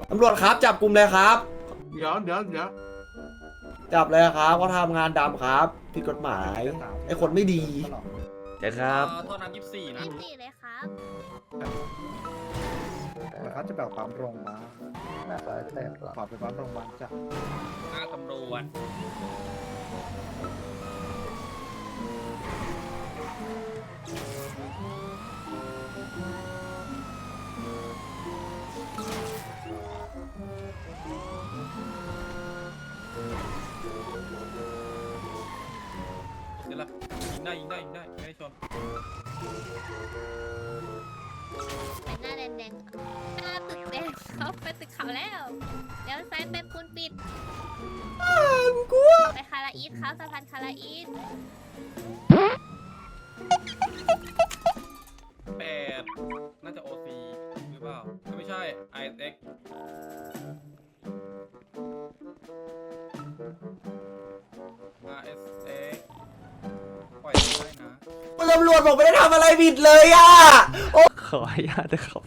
ตำรวจครับจับกลุ่มเลยครับเดี๋ยวจับเลยครับเขาทำงานดำครับผิดกฎหมายไอ้คนไม่ดีเดี๋ยวครับโทษนะ24นะ 24เลยครับเขาจะแบบความโรงมาขอไปความโรงมาจ้ะหน้าตำรวจเดี๋ยวละยิงได้ไม่ได้ชนเป็นหน้าแดงๆหน้าตึกแดงเขาไปตึกเขาแล้วเดี๋ยวซ้ายไปปูนปิดไปคาราอีทครับสะพานคาราอีท 8น่าจะ OC หรือเปล่าไม่ใช่ ISX RSX ปล่อยได้นะตำรวจผมไม่ได้ทำอะไรผิดเลยอ่ะโอ้ขออนุญาตนะครับ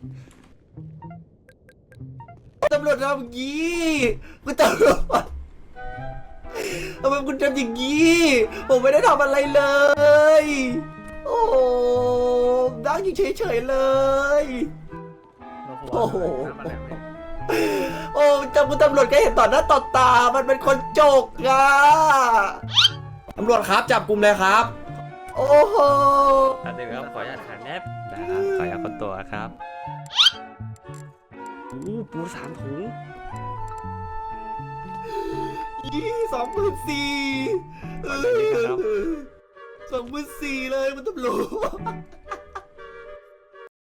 ตำรวจทำอย่างนี้คุณตำรวจทำไมคุณทำอย่างนี้ผมไม่ได้ทำอะไรเลยโอ้โหนั่งอยู่เฉยๆเลยโอ้โหโอ้จำคุณตำรวจก็เห็นต่อหน้าต่อตามันเป็นคนโจกอะตำรวจครับจับกลุ่มเลยครับ โอ้โหเดี๋ยวครับขออนุญาตขันแนบนะครับขออนุญาตคนตัวครับปู3 ถุง 24,000 24,000เลยมันตำรวจ